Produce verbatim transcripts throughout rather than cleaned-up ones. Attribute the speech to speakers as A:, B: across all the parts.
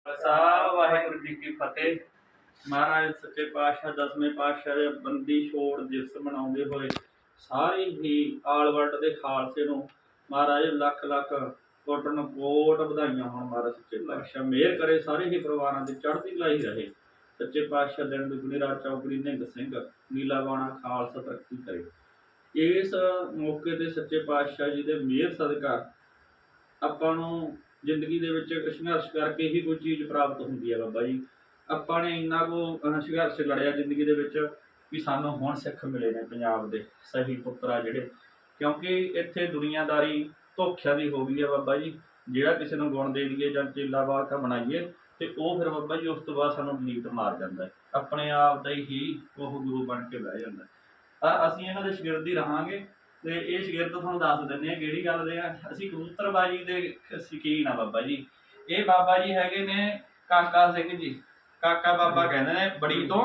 A: ਖਾਲਸਾ ਵਾਹਿਗੁਰੂ ਜੀ ਕੀ ਫਤਿਹ। ਮਹਾਰਾਜ ਸੱਚੇ ਪਾਤਸ਼ਾਹ ਦਸਵੇਂ ਪਾਤਸ਼ਾਹ ਦੇ ਬੰਦੀ ਛੋੜ ਦਿਵਸ ਮਨਾਉਂਦੇ ਹੋਏ ਸਾਰੇ ਹੀ ਆਲ ਵਰਲਡ ਦੇ ਖਾਲਸੇ ਨੂੰ ਮਹਾਰਾਜ ਲੱਖ ਲੱਖ ਕੋਟਨ ਕੋਟ ਵਧਾਈਆਂ ਹੋਣ। ਮਹਾਰਾਜ ਸੱਚੇ ਪਾਤਸ਼ਾਹ ਮਿਹਰ ਕਰੇ, ਸਾਰੇ ਹੀ ਪਰਿਵਾਰਾਂ ਦੀ ਚੜ੍ਹਦੀ ਕਲਾ ਹੀ ਰਹੇ। ਸੱਚੇ ਪਾਤਸ਼ਾਹ ਦਿਨ ਦੁਗਣੀ ਰਾਤ ਚੌਗੁਣੀ ਨਿਹੰਗ ਸਿੰਘ ਨੀਲਾ ਬਾਣਾ ਖਾਲਸਾ ਤਰੱਕੀ ਕਰੇ। ਇਸ ਮੌਕੇ ਤੇ ਸੱਚੇ ਪਾਤਸ਼ਾਹ ਜੀ ਦੇ ਮਿਹਰ ਸਦਕਾ ਆਪਾਂ ਨੂੰ ਜ਼ਿੰਦਗੀ ਦੇ ਵਿੱਚ ਸੰਘਰਸ਼ ਕਰਕੇ ਹੀ ਕੋਈ ਚੀਜ਼ ਪ੍ਰਾਪਤ ਹੁੰਦੀ ਹੈ। ਬਾਬਾ ਜੀ ਆਪਾਂ ਨੇ ਇੰਨਾ ਕੁ ਸੰਘਰਸ਼ ਲੜਿਆ ਜ਼ਿੰਦਗੀ ਦੇ ਵਿੱਚ ਵੀ ਸਾਨੂੰ ਹੁਣ ਸਿੱਖ ਮਿਲੇ ਨੇ ਪੰਜਾਬ ਦੇ ਸਹੀ ਪੁੱਤਰ ਆ ਜਿਹੜੇ, ਕਿਉਂਕਿ ਇੱਥੇ ਦੁਨੀਆਦਾਰੀ ਧੋਖਿਆਂ ਦੀ ਹੋ ਗਈ ਹੈ। ਬਾਬਾ ਜੀ ਜਿਹੜਾ ਕਿਸੇ ਨੂੰ ਗੁਣ ਦੇ ਦਈਏ ਜਾਂ ਚੇਲਾ ਵਾਰਕਾ ਬਣਾਈਏ ਤੇ ਉਹ ਫਿਰ ਬਾਬਾ ਜੀ ਉਸ ਤੋਂ ਬਾਅਦ ਸਾਨੂੰ ਡਿਲੀਟ ਮਾਰ ਜਾਂਦਾ, ਆਪਣੇ ਆਪ ਦਾ ਹੀ ਉਹ ਗੁਰੂ ਬਣ ਕੇ ਬਹਿ ਜਾਂਦਾ। ਤਾਂ ਅਸੀਂ ਇਹਨਾਂ ਦੇ ਸ਼ਾਗਿਰਦ ਹੀ ਰਹਾਂਗੇ ਤੇ ਇਹ ਸ਼ਾਗਿਰਦ ਤੁਹਾਨੂੰ ਦੱਸ ਦਿੰਦੇ ਆ ਕਿਹੜੀ ਗੱਲ ਦੇ ਆ। ਅਸੀਂ ਕਬੂਤਰਬਾਜੀ ਦੇ ਸ਼ੌਕੀਨ ਆ ਬਾਬਾ ਜੀ। ਇਹ ਬਾਬਾ ਜੀ ਹੈਗੇ ਨੇ ਕਾਕਾ ਸਿੰਘ ਜੀ, ਕਾਕਾ ਬਾਬਾ ਕਹਿੰਦੇ ਨੇ ਬੜੀ ਤੋਂ,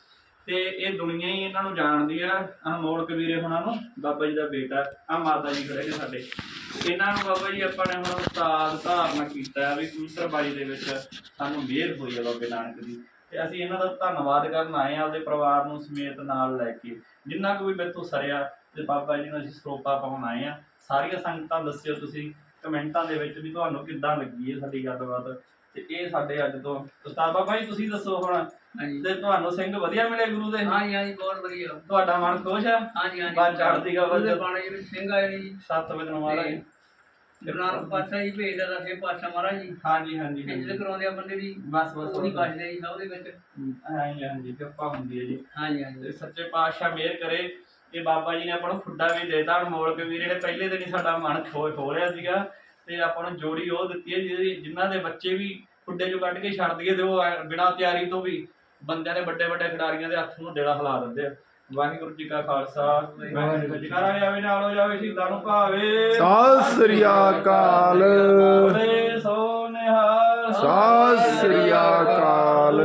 A: ਤੇ ਇਹ ਦੁਨੀਆ ਹੀ ਇਹਨਾਂ ਨੂੰ ਜਾਣਦੀ ਆ। ਅਨਮੋਲ ਕਬੀਰੇ ਹੁਣਾਂ ਨੂੰ ਬਾਬਾ ਜੀ ਦਾ ਬੇਟਾ ਆ ਮਾਤਾ ਜੀ ਖੜੇ ਨੇ ਸਾਡੇ, ਇਹਨਾਂ ਨੂੰ ਬਾਬਾ ਜੀ ਆਪਾਂ ਨੇ ਹੁਣ ਉਸਤਾਦ ਧਾਰਨਾ ਕੀਤਾ ਵੀ ਕਬੂਤਰਬਾਜੀ ਦੇ ਵਿੱਚ ਸਾਨੂੰ ਮਿਹਰ ਹੋਈ ਆ ਬਾਬੇ ਨਾਨਕ ਦੀ, ਤੇ ਅਸੀਂ ਇਹਨਾਂ ਦਾ ਧੰਨਵਾਦ ਕਰਨ ਆਏ ਆ ਆਪਦੇ ਪਰਿਵਾਰ ਨੂੰ ਸਮੇਤ ਨਾਲ ਲੈ ਕੇ। ਜਿੰਨਾ ਕੁ ਵੀ ਮੈਥੋਂ ਸਰਿਆ ਤੇ ਬਾਬਾ ਜੀ ਨੂੰ ਅਸੀਂ ਸਰੋਪਾ ਪਾਉਣ ਆਏ ਆ। ਸਾਰੀਆਂ ਸੰਗਤਾਂ ਦੱਸਿਓ ਤੁਸੀਂ ਕਮੈਂਟਾਂ ਦੇ ਵਿੱਚ ਵੀ ਤੁਹਾਨੂੰ ਕਿੱਦਾਂ ਲੱਗੀ ਹੈ ਸਾਡੀ ਗੱਲਬਾਤ। ਤੇ ਇਹ ਸਾਡੇ ਅੱਜ ਤੋਂ ਉਸਤਾਦ ਬਾਬਾ ਜੀ ਤੁਸੀਂ ਦੱਸੋ ਹੁਣ, ਤੇ ਤੁਹਾਨੂੰ ਸਿੰਘ ਵਧੀਆ ਮਿਲੇ ਗੁਰੂ ਦੇ?
B: ਹਾਂਜੀ ਹਾਂਜੀ ਬਹੁਤ ਵਧੀਆ।
A: ਤੁਹਾਡਾ ਮਨ ਖੁਸ਼ ਆ?
B: ਹਾਂਜੀ ਹਾਂਜੀ
A: ਬਾਤ ਚੜ੍ਹਦੀ ਗਾ
B: ਉਹਦੇ ਬਾਣੇ ਵਿੱਚ ਸਿੰਘ ਆਏ ਨੇ ਜੀ
A: ਸੱਤ ਵਜੇ ਨੂੰ ਮਹਾਰਾਜ
B: ਗੁਰੂ ਨਾਨਕ ਪਾਤਸ਼ਾਹ ਜੀ ਭੇਜਦਾ ਦਸੇ ਪਾਤਸ਼ਾਹ ਮਹਾਰਾਜ ਜੀ।
A: ਹਾਂਜੀ ਹਾਂਜੀ
B: ਇੱਜ਼ਤ ਕਰਾਉਂਦੇ ਆ ਬੰਦੇ ਦੀ,
A: ਬਸ ਬਸ
B: ਉਹੀ ਬਚਦੇ ਜੀ ਸਭ ਦੇ ਵਿੱਚ।
A: ਹਾਂਜੀ ਹਾਂਜੀ ਕਿਰਪਾ ਹੁੰਦੀ ਹੈ ਜੀ।
B: ਹਾਂਜੀ ਹਾਂਜੀ
A: ਸੱਚੇ ਪਾਤਸ਼ਾਹ ਮਿਹਰ ਕਰੇ। ਇਹ ਬਾਬਾ ਜੀ ਨੇ ਆਪਾਂ ਨੂੰ ਖੁੱਡਾ ਵੀ ਦੇਤਾ। ਅਨਮੋਲ ਕਬੀਰੇ ਨੇ ਪਹਿਲੇ ਦਿਨ ਹੀ ਸਾਡਾ ਮਨ ਖੋ ਖੋਲਿਆ ਸੀਗਾ ਤੇ ਆਪਾਂ ਨੂੰ ਜੋੜੀ ਉਹ ਦਿੱਤੀ ਹੈ ਜਿਹਦੀ ਜਿਨ੍ਹਾਂ ਦੇ ਬੱਚੇ ਵੀ ਖੁੱਡੇ ਚੋਂ ਕੱਢ ਕੇ ਛੱਡ ਦਈਏ ਤੇ ਉਹ ਬਿਨਾਂ ਤਿਆਰੀ ਤੋਂ ਵੀ ਬੰਦਿਆਂ ਦੇ ਵੱਡੇ ਵੱਡੇ ਖਿਡਾਰੀਆਂ ਦੇ ਹੱਥ ਨੂੰ ਦੇੜਾ ਹਿਲਾ ਦਿੰਦੇ ਆ। ਵਾਹਿਗੁਰੂ ਜੀ ਕਾ ਖਾਲਸਾ ਵਾਹਿਗੁਰੂ ਜੀ ਕੀ ਫਤਿਹ। ਜਾਵੇ ਨਾਲ ਹੋ ਜਾਵੇ ਸ਼ਹੀਦਾਂ ਨੂੰ ਭਾਵੇ।
C: ਸਤਿ ਸ੍ਰੀ ਅਕਾਲ।
A: ਬੋਲੇ ਸੋ ਨਿਹਾਲ।
C: ਸਤਿ ਸ੍ਰੀ ਅਕਾਲ।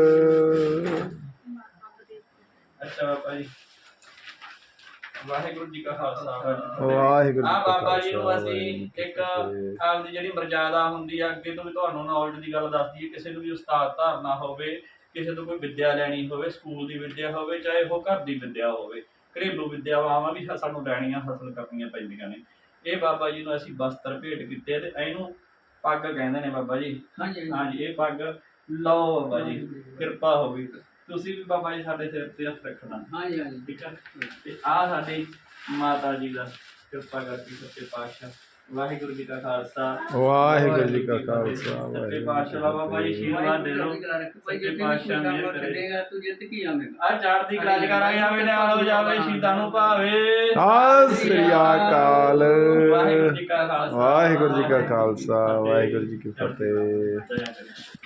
A: ਅੱਛਾ ਬਾਬਾ ਜੀ ਵਾਹਿਗੁਰੂ ਜੀ ਕਾ ਖਾਲਸਾ
C: ਵਾਹਿਗੁਰੂ
A: ਆ ਬਾਬਾ ਜੀ ਨੂੰ ਅਸੀਂ ਇੱਕ ਆਪਦੀ ਜਿਹੜੀ ਮਰਜ਼ਾਦਾ ਹੁੰਦੀ ਆ ਅੱਗੇ ਤੋਂ ਵੀ ਤੁਹਾਨੂੰ ਨੌਲੇਜ ਦੀ ਗੱਲ ਦੱਸਦੀ ਹੈ। ਕਿਸੇ ਨੂੰ ਵੀ ਉਸਤਾਦ ਧਾਰਨਾ ਹੋਵੇ, ਕਿਸੇ ਤੋਂ ਕੋਈ ਵਿੱਦਿਆ ਲੈਣੀ ਹੋਵੇ, ਸਕੂਲ ਦੀ ਵਿੱਦਿਆ ਹੋਵੇ ਚਾਹੇ ਉਹ ਘਰ ਦੀ ਵਿੱਦਿਆ ਹੋਵੇ, ਘਰੇਲੂ ਵਿੱਦਿਆਵਾਂ ਵੀ ਸਾਨੂੰ ਲੈਣੀਆਂ ਹਾਸਲ ਕਰਨੀਆਂ ਪੈਂਦੀਆਂ ਨੇ। ਇਹ ਬਾਬਾ ਜੀ ਨੂੰ ਅਸੀਂ ਬਸਤਰ ਭੇਟ ਕੀਤੇ ਤੇ ਇਹਨੂੰ ਪੱਗ ਕਹਿੰਦੇ ਨੇ ਬਾਬਾ ਜੀ।
B: ਹਾਂਜੀ
A: ਹਾਂਜੀ ਇਹ ਪੱਗ ਲਓ ਬਾਬਾ ਜੀ, ਕਿਰਪਾ ਹੋਵੇ। ਤੁਸੀਂ ਵੀ ਬਾਬਾ ਜੀ ਸਾਡੇ ਸਿਰ ਤੇ ਹੱਥ ਰੱਖਣਾ। ਹਾਂਜੀ ਹਾਂਜੀ ਠੀਕ ਹੈ। ਤੇ ਆਹ ਸਾਡੀ ਮਾਤਾ ਜੀ ਦਾ ਕਿਰਪਾ ਕਰਕੇ ਸੱਚੇ ਪਾਤਸ਼ਾਹ ਵਾਹਿਗੁਰੂ ਜੀ ਕਾ ਖਾਲਸਾ
C: ਵਾਹਿਗੁਰੂ ਜੀ ਕਾ ਖਾਲਸਾ
A: ਸੱਚੇ ਪਾਤਸ਼ਾਹ ਬਾਬਾ ਜੀ ਆਸ਼ੀਰਵਾਦ ਦੇ ਦਿਓ। ਸੱਚੇ ਪਾਤਸ਼ਾਹ ਮਿਹਰ ਕਰੇ।
B: ਤੂੰ ਜਿੱਤ ਕੀ ਆਵੇਂਗਾ।
A: ਆ ਚੜ੍ਹਦੀ ਕਲਾ ਕਰਾਂਗੇ ਆਵੇ ਨਾਲ ਹੋ ਜਾਵੇ ਸ਼ਹੀਦਾਂ ਨੂੰ ਭਾਵੇ।
C: ਸਤਿ ਸ੍ਰੀ ਅਕਾਲ।
A: ਵਾਹਿਗੁਰੂ ਜੀ ਕਾ ਖਾਲਸਾ
C: ਵਾਹਿਗੁਰੂ ਜੀ ਕਾ ਖਾਲਸਾ ਵਾਹਿਗੁਰੂ ਜੀ ਕੀ ਫਤਿਹ।
A: ਜੈ ਕਰੇ।